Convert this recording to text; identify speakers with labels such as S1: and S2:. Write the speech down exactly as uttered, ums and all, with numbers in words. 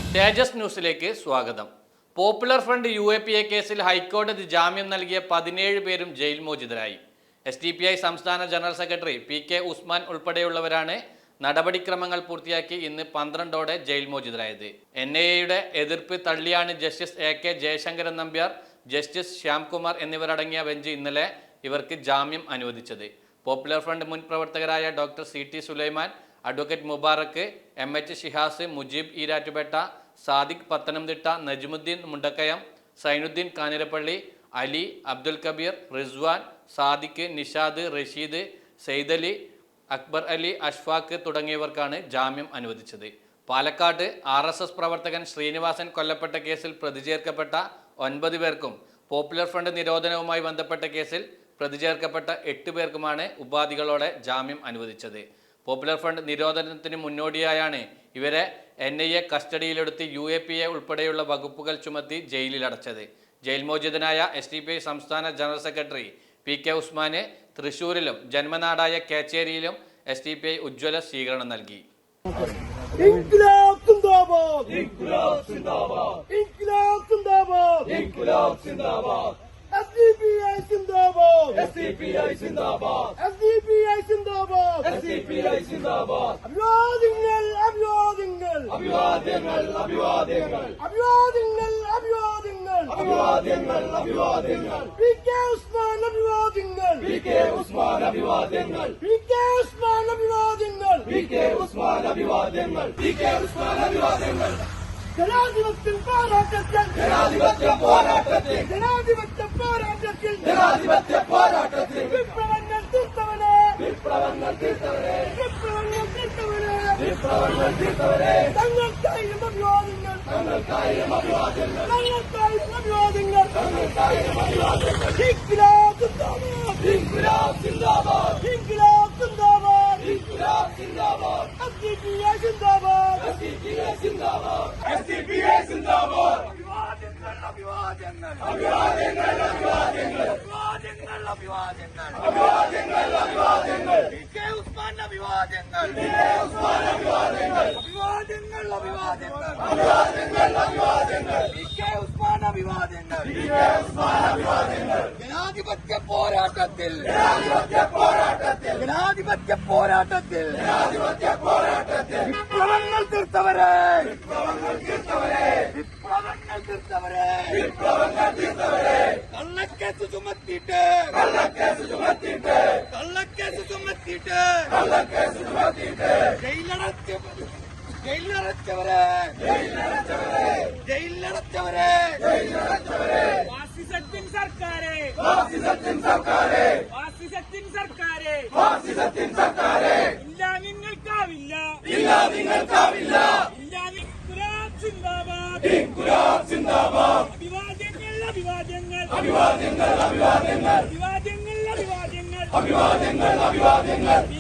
S1: തേജസ് ന്യൂസിലേക്ക് സ്വാഗതം. Popular Front U A P A കേസിൽ ഹൈക്കോടതി ജാമ്യം നൽകിയ പതിനേഴ് പേരും ജയിൽ മോചിതരായി. എസ് ഡി പി ഐ സംസ്ഥാന general secretary P K Usman ഉൾപ്പെടെയുള്ളവരാണ് നടപടിക്രമങ്ങൾ പൂർത്തിയാക്കി ഇന്ന് പന്ത്രണ്ടോടെ ജയിൽ മോചിതരായത്. എൻ ഐ എയുടെ എതിർപ്പ് തള്ളിയാണ് justice A K Jayasankaran Nambiar, justice Shyamkumar എന്നിവരടങ്ങിയ ബെഞ്ച് ഇന്നലെ ഇവർക്ക് ജാമ്യം അനുവദിച്ചത്. പോപ്പുലർ ഫ്രണ്ട് മുൻ പ്രവർത്തകരായ doctor C T Sulaiman, advocate Mubarak, M H Shihas, Mujeeb Erattupetta, Sadiq Pathanamthitta, Najmuddin Mundakayam, Sainuddin Kanjirappally, Ali, Abdul Kabeer, Rizwan, Sadiq, Nishad, Rasheed, Saidali, Akbar Ali, Ashfaq തുടങ്ങിയവർക്കാണ് ജാമ്യം അനുവദിച്ചത്. പാലക്കാട് ആർ എസ് എസ് പ്രവർത്തകൻ ശ്രീനിവാസൻ കൊല്ലപ്പെട്ട കേസിൽ പ്രതി ചേർക്കപ്പെട്ട ഒൻപത് പേർക്കും പോപ്പുലർ ഫ്രണ്ട് നിരോധനവുമായി ബന്ധപ്പെട്ട കേസിൽ പ്രതി ചേർക്കപ്പെട്ട എട്ട് പേർക്കുമാണ് ഉപാധികളോടെ ജാമ്യം അനുവദിച്ചത്. പോപ്പുലർ ഫ്രണ്ട് നിരോധനത്തിന് മുന്നോടിയായാണ് ഇവരെ എൻ ഐ എ കസ്റ്റഡിയിലെടുത്ത് യു എ പി എ ഉൾപ്പെടെയുള്ള വകുപ്പുകൾ ചുമത്തി ജയിലിലടച്ചത്. ജയിൽ മോചിതനായ എസ് ഡി പി ഐ സംസ്ഥാന ജനറൽ സെക്രട്ടറി പി കെ ഉസ്മാന് തൃശൂരിലും ജന്മനാടായ കേച്ചേരിയിലും എസ് ഡി പി ഐ ഉജ്ജ്വല സ്വീകരണം നൽകി.
S2: S D P I Zindabad! S D P I Zindabad! S D P I Zindabad! S D P I Zindabad! അഭിവാദ്യങ്ങൾ അഭിവാദ്യങ്ങൾ അഭിവാദ്യങ്ങൾ അഭിവാദ്യങ്ങൾ അഭിവാദ്യങ്ങൾ അഭിവാദ്യങ്ങൾ അഭിവാദ്യങ്ങൾ അഭിവാദ്യങ്ങൾ പി കെ ഉസ്മാൻ അഭിവാദ്യങ്ങൾ പി കെ ഉസ്മാൻ അഭിവാദ്യങ്ങൾ പി കെ ഉസ്മാൻ അഭിവാദ്യങ്ങൾ പി കെ ഉസ്മാൻ അഭിവാദ്യങ്ങൾ പി കെ ഉസ്മാൻ അഭിവാദ്യങ്ങൾ ജനാധിപത്യ പോരാട്ടത്തിൽ ജനാധിപത്യ പോരാട്ടത്തിൽ ജനാധിപത്യ പോരാട്ടത്തിൽ ജനാധിപത്യ പോരാട്ടത്തിൽ വിപ്ലവങ്ങൾ തീർത്തവരെ വിപ്ലവങ്ങൾ തീർത്തവരെ വിപ്ലവങ്ങൾ തീർത്തവരെ വിപ്ലവങ്ങൾ തീർത്തവരെ തങ്ങൾക്കായും അഭിവാദ്യങ്ങൾ തങ്ങൾക്കായും അഭിവാദ്യങ്ങൾ തങ്ങൾക്കായും അഭിവാദ്യങ്ങൾ തങ്ങൾക്കായും അഭിവാദ്യങ്ങൾ ഇൻക്ലാബ് സിന്ദാബാദ് ഇൻക്ലാബ് സിന്ദാബാദ് ഇൻക്ലാബ് സിന്ദാബാദ് ഇൻക്ലാബ് സിന്ദാബാദ് S D P I Zindabad S D P I Zindabad S D P I സിന്ദാബാദ് അഭിവാദ്യങ്ങൾ അഭിവാദ്യങ്ങൾ അഭിവാദ്യങ്ങൾ അഭിവാദ്യങ്ങൾ അഭിവാദ്യങ്ങൾ അഭിവാദ്യങ്ങൾ അഭിവാദ്യങ്ങൾ അഭിവാദ്യങ്ങൾ പി കെ ഉസ്മാൻ അഭിവാദ്യങ്ങൾ പി കെ ഉസ്മാൻ അഭിവാദ്യങ്ങൾ അഭിവാദ്യങ്ങൾ അഭിവാദ്യങ്ങൾ അഭിവാദ്യങ്ങൾ അഭിവാദ്യങ്ങൾ പി കെ ഉസ്മാൻ അഭിവാദ്യങ്ങൾ പി കെ ഉസ്മാൻ അഭിവാദ്യങ്ങൾ ജനാധിപത്യ പോരാട്ടത്തിൽ ജനാധിപത്യ പോരാട്ടത്തിൽ ജനാധിപത്യ പോരാട്ടത്തിൽ ജനാധിപത്യ പോരാട്ടത്തിൽ വിപ്ലവങ്ങൾ തീർത്തവരെ വിപ്ലവങ്ങൾ തീർത്തവരെ വിപ്ലവങ്ങൾ തീർത്തവരെ വിപ്ലവങ്ങൾ തീർത്തവരെ കള്ളക്കേസ് ചുമത്തിയിട്ട് കള്ളക്കേസ് ചുമത്തിയിട്ട് കള്ളക്കേസ് ചുമത്തിയിട്ട് കള്ളക്കേസ് ചുമത്തിയിട്ട് ജയിലടച്ച ജയിലടച്ചവരെ ജയിലടച്ചവരെ ജയിലടച്ചവരെ ജയിലടച്ചവരെ ഫാസിസത്തിൻ സർക്കാരെ ഫാസിസത്തിൻ സർക്കാരെ ഫാസിസത്തിൻ സർക്കാരെ ഫാസിസത്തിൻ സർക്കാരെ ഇല്ല നിങ്ങൾക്കാവില്ല ഇല്ല നിങ്ങൾക്കാവില്ല ഇല്ല ഇൻക്ലാബ് സിന്ദാബാദ് ഇൻക്ലാബ് സിന്ദാബാദ് അഭിവാദ്യങ്ങൾ അഭിവാദ്യങ്ങൾ അഭിവാദ്യങ്ങൾ അഭിവാദ്യങ്ങൾ അഭിവാദ്യങ്ങൾ അഭിവാദ്യങ്ങൾ അഭിവാദ്യങ്ങൾ അഭിവാദ്യങ്ങൾ